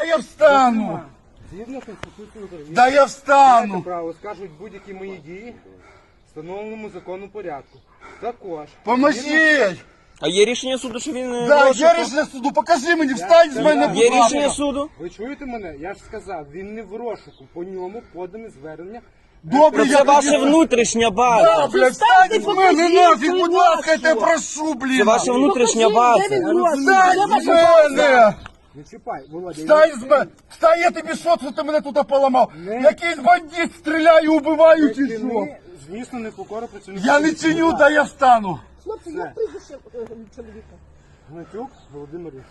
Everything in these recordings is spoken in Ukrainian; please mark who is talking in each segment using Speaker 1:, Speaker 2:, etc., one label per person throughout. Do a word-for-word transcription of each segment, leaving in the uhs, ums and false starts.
Speaker 1: я встану.
Speaker 2: Згідно Конституції України,
Speaker 1: Да я
Speaker 2: маєте
Speaker 1: встану.
Speaker 2: право скажуть будь-які мої дії в встановленому законом порядку. Також.
Speaker 1: Поможіть.
Speaker 3: А є рішення суду, що він не
Speaker 1: Да,
Speaker 3: в розшуку?
Speaker 1: є рішення суду, покажи мені, встань з мене,
Speaker 3: Є
Speaker 1: будь ласка.
Speaker 3: рішення суду?
Speaker 2: Ви чуєте мене? Я ж сказав, він не в розшуку. По ньому подане звернення.
Speaker 1: Добре,
Speaker 3: Це
Speaker 1: я
Speaker 3: ваша
Speaker 1: тоді-
Speaker 3: внутрішня
Speaker 1: Да,
Speaker 3: база.
Speaker 1: блядь, встань з мене
Speaker 4: покажіть
Speaker 1: нафіг,
Speaker 4: свою
Speaker 1: будь ласка, я
Speaker 4: маску.
Speaker 1: тебе прошу, блін.
Speaker 3: Це ваша внутрішня
Speaker 4: Покажи, де
Speaker 3: база.
Speaker 4: він розшук,
Speaker 1: Встань
Speaker 4: де
Speaker 1: з
Speaker 4: ваша база?
Speaker 1: мене.
Speaker 2: Не чіпай, Володя.
Speaker 1: Встань з мене. Встань, я тобі що, що ти мене тут поламав?
Speaker 2: Не.
Speaker 1: Якийсь бандит стріляє, убиваю чи що?
Speaker 2: Ти, звісно, не покора працівника.
Speaker 1: Я не чиню, да я встану.
Speaker 4: Хлопці, як прізвище е, чоловіка?
Speaker 2: Гнатюк Володимир Ігорович.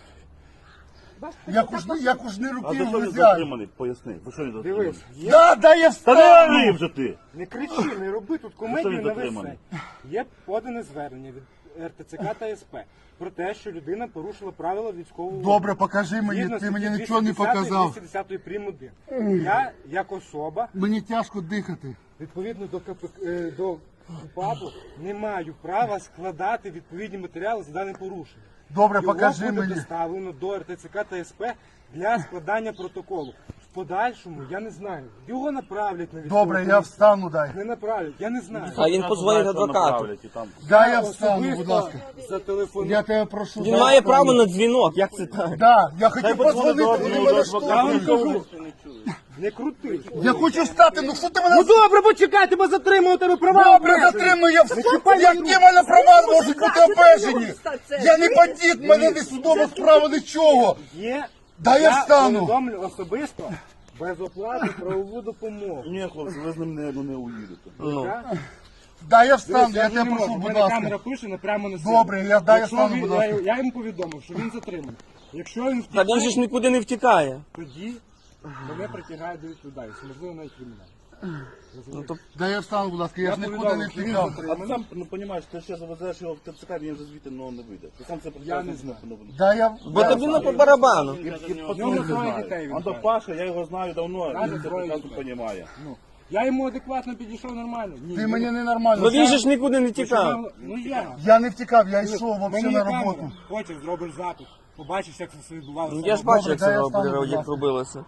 Speaker 4: Ваш
Speaker 1: Як уж, не- як уж не
Speaker 5: А
Speaker 1: руки
Speaker 5: за що він
Speaker 1: взяли.
Speaker 5: затриманий? Поясни. За що він затриманий?
Speaker 2: Дивись, є...
Speaker 1: Да, да я
Speaker 5: Та не ори
Speaker 1: встану.
Speaker 5: вже ти!
Speaker 2: не кричи, не роби тут комедію
Speaker 5: він
Speaker 2: на весь
Speaker 5: затриманий?
Speaker 2: сайт. Є подане звернення від ер те це ка та ес пе про те, що людина порушила правила військового.
Speaker 1: Добре, покажи мені,
Speaker 2: Згідно
Speaker 1: ти мені
Speaker 2: статті
Speaker 1: нічого не
Speaker 2: двісті десять
Speaker 1: показав.
Speaker 2: двісті десять прим. один. Я, як особа,
Speaker 1: Мені тяжко дихати.
Speaker 2: відповідно до КП, е, до КУПАПу, не маю права складати відповідні матеріали за дане порушення.
Speaker 1: Добре,
Speaker 2: Його
Speaker 1: покажи
Speaker 2: буде
Speaker 1: мені.
Speaker 2: доставлено до ер те це ка та ес пе для складання протоколу. В подальшому я не знаю. Його направлять на військову
Speaker 1: Добре, я
Speaker 2: комісію.
Speaker 1: встану, дай.
Speaker 2: Не направлять, я не знаю.
Speaker 3: А він позвонить
Speaker 5: Знаєш, що
Speaker 3: адвокату.
Speaker 5: направлять і там.
Speaker 1: Дай я встану,
Speaker 2: Особисто
Speaker 1: будь ласка.
Speaker 2: зателефоную.
Speaker 1: Я тебе прошу.
Speaker 3: Він
Speaker 1: дай
Speaker 3: має
Speaker 1: встану.
Speaker 3: право на дзвінок, як це так?
Speaker 1: Да, я хотів
Speaker 5: подзвонить
Speaker 1: позвонити,
Speaker 5: до
Speaker 1: вони
Speaker 5: одного
Speaker 1: мене
Speaker 5: адвоката.
Speaker 2: Я вам
Speaker 1: штовхнули.
Speaker 2: кажу, не крути.
Speaker 1: Я хочу встати, ну що ти мене...
Speaker 2: Ну добре, почекай, тебе затримав, тебе права.
Speaker 1: Добре, затримую, я
Speaker 2: чіпай
Speaker 1: в...
Speaker 2: мою
Speaker 1: Які
Speaker 2: руку.
Speaker 1: мене права можуть бути
Speaker 4: Що ти
Speaker 1: обмежені?
Speaker 4: робиш так це?
Speaker 1: Я не бандит, мене не судова справа, нічого.
Speaker 2: Є.
Speaker 1: Да я встану.
Speaker 2: повідомлю особисто без оплати правову допомогу.
Speaker 5: Ні, хлопці, ви з ним не, ну, не уїдете.
Speaker 2: Я-
Speaker 1: Да я встану,
Speaker 2: Дивись,
Speaker 1: я
Speaker 2: вже
Speaker 1: тебе
Speaker 2: не
Speaker 1: прошу,
Speaker 2: можу. В
Speaker 1: будь
Speaker 2: мене камера
Speaker 1: ласка.
Speaker 2: пише, не прямо на себе.
Speaker 1: Добре, я- дай я
Speaker 2: Якщо
Speaker 1: встану,
Speaker 2: він-
Speaker 1: будь ласка.
Speaker 2: Я, я йому повідомив, що він затриманий. Якщо він
Speaker 3: Та він же
Speaker 2: втікає,
Speaker 3: ж нікуди не втікає.
Speaker 2: тоді мене притягають до відповідальності, можливо, навіть кримінальність.
Speaker 3: Ну, то
Speaker 1: Да я встану, будь ласка, я
Speaker 2: Я
Speaker 1: ж нікуди
Speaker 2: повідомив,
Speaker 1: не
Speaker 2: що він
Speaker 1: втікав.
Speaker 2: затриманий.
Speaker 5: А ти сам, ну, розумієш, ти ще завезеш його в те це ка, він вже звідти ну, не вийде. Ти сам це
Speaker 2: Я не знаю.
Speaker 1: Да я...
Speaker 3: бо тобі на по барабану.
Speaker 2: В нього троє дітей він
Speaker 5: А до
Speaker 2: каже.
Speaker 5: Паша, я його знаю давно,
Speaker 2: Каже,
Speaker 5: він це
Speaker 2: троє
Speaker 5: прекрасно
Speaker 2: дітей.
Speaker 5: розуміє.
Speaker 2: Ну, я йому адекватно підійшов нормально. Ні,
Speaker 1: Ти
Speaker 2: ну,
Speaker 1: мені ненормально.
Speaker 3: Бо він же ж нікуди не тікав.
Speaker 2: Ну я.
Speaker 1: Я не втікав, я йшов
Speaker 2: Мені
Speaker 1: взагалі
Speaker 2: є
Speaker 1: на
Speaker 2: камера.
Speaker 1: роботу.
Speaker 2: Хочеш, зробиш запит. Побачиш, як це все відбувалося.
Speaker 3: Ну, я ж
Speaker 1: Добре,
Speaker 3: бачу, як
Speaker 1: дай я
Speaker 3: це
Speaker 1: встану, будь
Speaker 3: як
Speaker 1: ласка.
Speaker 3: робилося.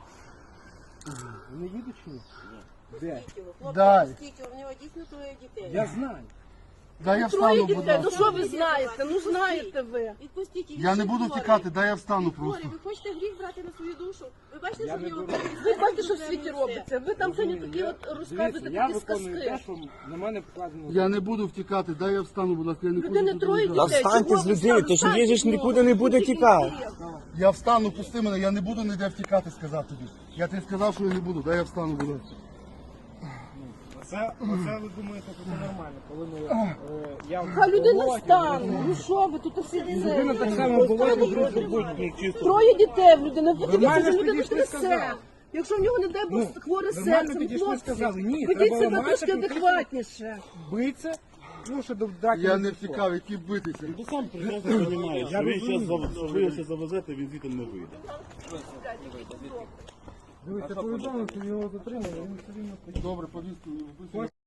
Speaker 2: Не їдеш чи ні? Де?
Speaker 1: Дай.
Speaker 4: Скільки у нього дійсно троє дітей.
Speaker 2: Я знаю.
Speaker 1: Да я
Speaker 4: Троє
Speaker 1: встану, будь
Speaker 4: дітей, ну
Speaker 1: ласка.
Speaker 4: що ви знаєте? Ну знаєте ви.
Speaker 6: Відпустіть їх.
Speaker 1: Я не
Speaker 6: Він
Speaker 1: буду
Speaker 6: хворий.
Speaker 1: втікати, да я встану
Speaker 6: Він
Speaker 1: просто.
Speaker 6: хворий. Ви хочете гріх брати на свою душу? Ви бачите,
Speaker 2: Я
Speaker 6: що в
Speaker 2: не
Speaker 6: нього
Speaker 2: беру.
Speaker 4: Ви бачите, що в світі робиться? Ви там сьогодні такі от
Speaker 2: Дивіться,
Speaker 4: розказуєте
Speaker 2: я
Speaker 4: такі
Speaker 2: виконую те,
Speaker 4: сказки.
Speaker 2: що на мене покладено.
Speaker 1: Я не буду втікати, дай я встану, будь ласка, я не
Speaker 4: Людини
Speaker 1: хочу
Speaker 4: троє
Speaker 1: тут
Speaker 3: Та
Speaker 4: дітей.
Speaker 3: встаньте
Speaker 4: Чого
Speaker 3: з
Speaker 4: ви
Speaker 3: людини, то ж
Speaker 4: встаньте?
Speaker 3: він же ж
Speaker 4: Ну,
Speaker 3: нікуди не буде
Speaker 4: тільки
Speaker 3: тікати.
Speaker 4: є.
Speaker 1: Я встану, пусти мене, я не буду ніде втікати, сказав тобі. Я тобі сказав, що я не буду, дай я встану, будь ласка.
Speaker 2: Це, оце ви думаєте, що це нормально, коли ми, е, я в
Speaker 4: Хай людина
Speaker 2: болоті,
Speaker 4: встане. Ну що ви тут усі
Speaker 2: людина так
Speaker 4: це?
Speaker 2: само була, будь чисто.
Speaker 4: Троє дітей в людини. Ви
Speaker 2: Нормально
Speaker 4: дивіться,
Speaker 2: ж
Speaker 4: що людина
Speaker 2: підійшли,
Speaker 4: трясе.
Speaker 2: сказали.
Speaker 4: Якщо в нього не дай Бог
Speaker 2: Ну,
Speaker 4: хворе
Speaker 2: нормально
Speaker 4: серце,
Speaker 2: підійшли,
Speaker 4: хлопці,
Speaker 2: сказали, ні,
Speaker 4: ведіть
Speaker 2: треба
Speaker 4: себе
Speaker 2: ламати,
Speaker 4: трошки
Speaker 2: конкретно.
Speaker 4: адекватніше.
Speaker 2: Биться, ну, що до драки
Speaker 1: Я
Speaker 2: не
Speaker 1: не
Speaker 2: пішло.
Speaker 1: втікав, які битися.
Speaker 5: Ти сам прекрасно розумієш, що він ще зав- що ви його ще завезете, він звідти не вийде.
Speaker 2: Дивіться, повідомив, що його затримали, він все рівно
Speaker 1: Добре, повістку.